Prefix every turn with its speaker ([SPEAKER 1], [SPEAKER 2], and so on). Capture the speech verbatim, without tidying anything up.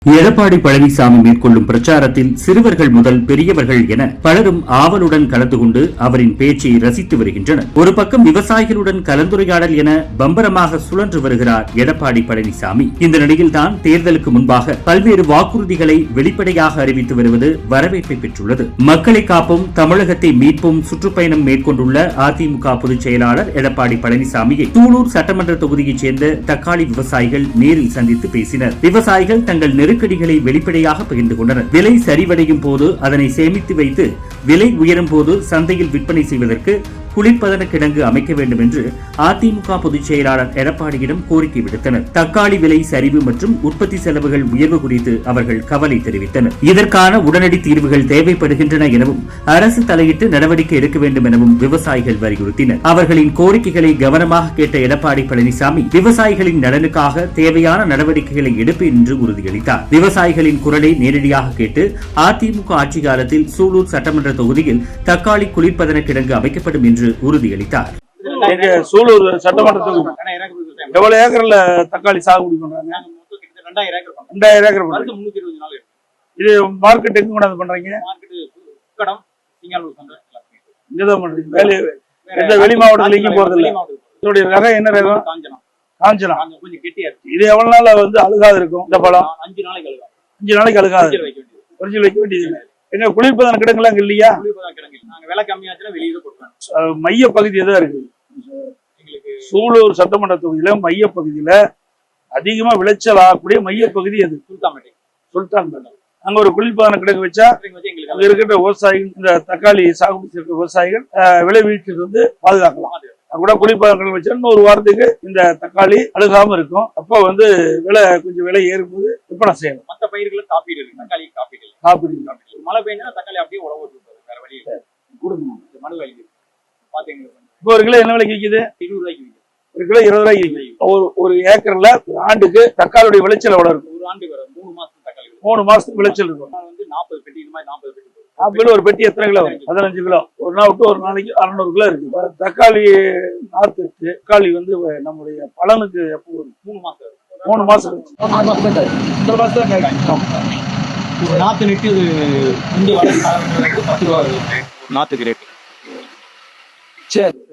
[SPEAKER 1] எடப்பாடி பழனிசாமி மேற்கொள்ளும் பிரச்சாரத்தில் சிறுவர்கள் முதல் பெரியவர்கள் என பலரும் ஆவலுடன் கலந்து கொண்டு அவரின் பேச்சை ரசித்து வருகின்றனர். ஒரு பக்கம் விவசாயிகளுடன் கலந்துரையாடல் என பம்பரமாக சுழன்று வருகிறார் எடப்பாடி பழனிசாமி. இந்த நிலையில்தான் தேர்தலுக்கு முன்பாக பல்வேறு வாக்குறுதிகளை வெளிப்படையாக அறிவித்து வருவது வரவேற்பை பெற்றுள்ளது. மக்களை காப்போம், தமிழகத்தை மீட்போம் சுற்றுப்பயணம் மேற்கொண்டுள்ள அதிமுக பொதுச் செயலாளர் எடப்பாடி பழனிசாமியை சூலூர் சட்டமன்ற தொகுதியைச் சேர்ந்த தக்காளி விவசாயிகள் நேரில் சந்தித்து பேசினர். விவசாயிகள் தங்கள் நெருக்கடிகளை வெளிப்படையாக பகிர்ந்து கொண்டனர். விலை சரிவடையும் போது அதனை சேமித்து வைத்து விலை உயரும் போது சந்தையில் விற்பனை செய்வதற்கு குளிர்பதன கிடங்கு அமைக்க வேண்டும் என்று அதிமுக பொதுச் செயலாளர் எடப்பாடியிடம் கோரிக்கை விடுத்தனர். தக்காளி விலை சரிவு மற்றும் உற்பத்தி செலவுகள் உயர்வு குறித்து அவர்கள் கவலை தெரிவித்தனர். இதற்கான உடனடி தீர்வுகள் தேவைப்படுகின்றன எனவும் அரசு தலையிட்டு நடவடிக்கை எடுக்க வேண்டும் எனவும் விவசாயிகள் வலியுறுத்தினர். அவர்களின் கோரிக்கைகளை கவனமாக கேட்ட எடப்பாடி பழனிசாமி விவசாயிகளின் நலனுக்காக தேவையான நடவடிக்கைகளை எடுப்பேன் என்று உறுதியளித்தார். விவசாயிகளின் குரலை நேரடியாக கேட்டு அதிமுக ஆட்சி காலத்தில் சூலூர் சட்டமன்ற தொகுதியில் தக்காளி குளிர்பதன கிடங்கு அமைக்கப்படும் என்று உறுதியளித்தார்.
[SPEAKER 2] சூலூர் சட்டமன்றத்துக்கு எவ்வளவு ஏக்கர்ல தக்காளி சாகுபடி பண்றாங்க? ரெண்டாயிரம் ஏக்கர். இது மார்க்கெட் எங்க கொண்டாந்து பண்றீங்க? இங்கதான் பண்றீங்க. வேலை எந்த வெளி மாவட்டத்துல எங்கேயும் போறது இல்ல. இதோடைய ரகம் என்ன ரகம்? காஞ்சனா. இது எவ்வளவு நாள் வந்து அழுகாது இருக்கும்? இந்த பழம் அஞ்சு நாளைக்கு அழுகாது. அஞ்சு நாளைக்கு அழுகாது. ஒரிஜினல் வைக்க வேண்டியது. எங்க குளிர்பதன கிடங்குலாம் இல்லையா? மைய பகுதி எதா இருக்கு? சூலூர் சட்டமன்ற தொகுதியில மைய பகுதியில அதிகமா விளைச்சல் ஆகக்கூடிய மைய பகுதி எது? சுல்தான்பேட்டை. அங்க ஒரு குளிர்பதன கிடங்கு வச்சா அங்க இருக்கிற விவசாயிகள், இந்த தக்காளி சாகுபடி செய்யற விவசாயிகள் விளைவிச்சது வந்து பாதுகாக்கலாம். கூட குளிர்பதன கிடங்கு வச்சா இன்னொரு வாரத்துக்கு இந்த தக்காளி அழுகாம இருக்கும். அப்ப வந்து விலை கொஞ்சம் விலை ஏறும்போது விற்பனை செய்யணும்.
[SPEAKER 3] மற்ற பயிர்களை காப்பீடு இருக்கு. தக்காளி காப்பீடு
[SPEAKER 2] காப்பீடு
[SPEAKER 3] மழை பெய்ஞ்சா தக்காளி அப்படியே உழவு வேற வழி கொடுக்கணும். மழை வேலைக்கு பாத்தீங்கன்னா
[SPEAKER 2] இப்போ ஒரு கிலோ என்ன விலைக்கு விற்குது?
[SPEAKER 3] இருபது ரூபாய்க்கு விற்குது.
[SPEAKER 2] ஒரு கிலோ இருபது ரூபாய்க்கு விற்குது. ஒரு ஒரு ஏக்கர்ல ஒரு ஆண்டுக்கு தக்காளியுடைய விளைச்சல் எவ்வளவு இருக்கும்?
[SPEAKER 3] ஒரு ஆண்டுக்கு வரும் மூணு மாசத்துக்கு தக்காளி
[SPEAKER 2] மூணு மாசத்துக்கு விளைச்சல் இருக்கும்.
[SPEAKER 3] வந்து நாற்பது பெட்டி இந்த மாதிரி நாற்பது பெட்டி
[SPEAKER 2] நாற்பது ஒரு பெட்டி எத்தனை கிலோ வரும்? பதினஞ்சு கிலோ. ஒரு நாள் விட்டு ஒரு நாளைக்கு அறுநூறு கிலோ இருக்கு. தக்காளி நாத்து தக்காளி வந்து நம்முடைய பலனுக்கு எப்போ வரும்?
[SPEAKER 3] மூணு மாசம்
[SPEAKER 2] மூணு மாசம்
[SPEAKER 3] இந்த மாசம் ஒரு நாத்து நெட்டு இந்த வர பத்து ரூபா நாத்துக்கு ரேட்டு.
[SPEAKER 2] சரி.